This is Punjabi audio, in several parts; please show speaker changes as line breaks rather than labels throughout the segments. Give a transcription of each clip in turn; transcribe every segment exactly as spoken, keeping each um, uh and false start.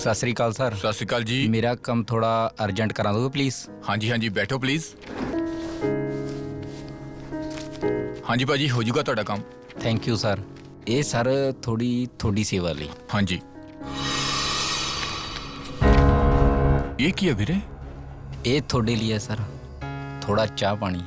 सत श्री अकाल सर।
सत श्री अकाल जी।
मेरा काम थोड़ा अर्जेंट करा दोगे प्लीज़?
हाँ जी हाँ जी बैठो प्लीज़। हाँ जी भाजी हो जाऊगा ਤੁਹਾਡਾ काम।
Thank you sir. ये सर थोड़ी थोड़ी सेवा ली।
हाँ जी ये की है ਵੀਰੇ?
ये थोड़े लिए सर, थोड़ा चाह पानी।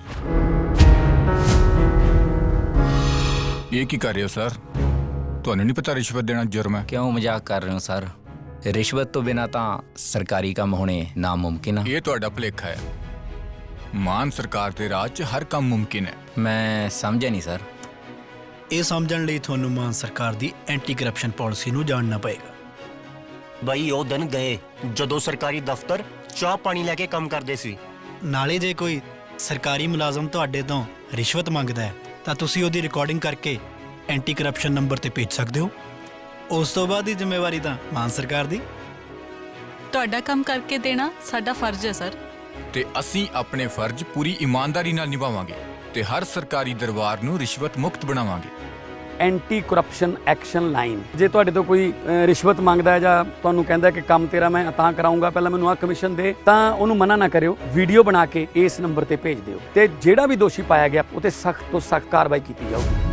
ये की कर रहे हो सर? ਤੁਹਾਨੂੰ नहीं पता रिश्वत देना जुर्म है?
क्यों मजाक कर रहे हो सर? रिश्वत तो बिना तो सरकारी काम होने नामुमकिन है।
ये ਤੁਹਾਡਾ ਭੁਲੇਖਾ है। ਮਾਨ ਸਰਕਾਰ ਦੇ ਰਾਜ 'ਚ ਹਰ ਕੰਮ ਮੁਮਕਿਨ ਹੈ।
मैं समझा नहीं सर।
ਇਹ ਸਮਝਣ ਲਈ ਤੁਹਾਨੂੰ ਮਾਨ ਸਰਕਾਰ ਦੀ ਐਂਟੀ ਕਰਪਸ਼ਨ ਪਾਲਿਸੀ ਨੂੰ ਜਾਣਨਾ ਪਏਗਾ।
ਬਈ ਉਹ ਦਿਨ ਗਏ ਜਦੋਂ ਸਰਕਾਰੀ ਦਫ਼ਤਰ ਚਾਹ ਪਾਣੀ ਲੈ ਕੇ ਕੰਮ ਕਰਦੇ ਸੀ।
ਨਾਲੇ ਜੇ ਕੋਈ ਸਰਕਾਰੀ ਮੁਲਾਜ਼ਮ ਤੁਹਾਡੇ ਤੋਂ ਰਿਸ਼ਵਤ ਮੰਗਦਾ ਹੈ ਤਾਂ ਤੁਸੀਂ ਉਹਦੀ ਰਿਕਾਰਡਿੰਗ ਕਰਕੇ ਐਂਟੀ ਕਰਪਸ਼ਨ ਨੰਬਰ ਤੇ ਭੇਜ ਸਕਦੇ ਹੋ। ਉਸ ਤੋਂ ਬਾਅਦ ਦੀ ਜ਼ਿੰਮੇਵਾਰੀ ਤਾਂ ਮਾਨ ਸਰਕਾਰ ਦੀ।
ਤੁਹਾਡਾ ਕੰਮ ਕਰਕੇ ਦੇਣਾ ਸਾਡਾ ਫਰਜ਼ ਹੈ ਸਰ।
ਤੇ ਅਸੀਂ ਆਪਣੇ ਫਰਜ਼ ਪੂਰੀ ਇਮਾਨਦਾਰੀ ਨਾਲ ਨਿਭਾਵਾਂਗੇ ਤੇ ਹਰ ਸਰਕਾਰੀ ਦਰਬਾਰ ਨੂੰ ਰਿਸ਼ਵਤ ਮੁਕਤ ਬਣਾਵਾਂਗੇ।
Anti corruption action line. ਜੇ ਤੁਹਾਡੇ ਤੋਂ ਕੋਈ ਅ, ਰਿਸ਼ਵਤ ਮੰਗਦਾ ਹੈ ਜਾਂ ਤੁਹਾਨੂੰ ਕਹਿੰਦਾ ਕਿ ਕੰਮ ਤੇਰਾ ਮੈਂ ਤਾਂ ਕਰਾਉਂਗਾ, ਪਹਿਲਾਂ ਮੈਨੂੰ ਆਹ ਕਮਿਸ਼ਨ ਦੇ, ਤਾਂ ਉਹਨੂੰ ਮਨਾ ਨਾ ਕਰਿਓ। ਵੀਡੀਓ ਬਣਾ ਕੇ ਇਸ ਨੰਬਰ ਤੇ ਭੇਜ ਦਿਓ ਤੇ ਜਿਹੜਾ ਵੀ ਦੋਸ਼ੀ ਪਾਇਆ ਗਿਆ ਉਹ ਤੇ ਸਖਤ ਤੋਂ ਸਖਤ ਕਾਰਵਾਈ ਕੀਤੀ ਜਾਊਗੀ।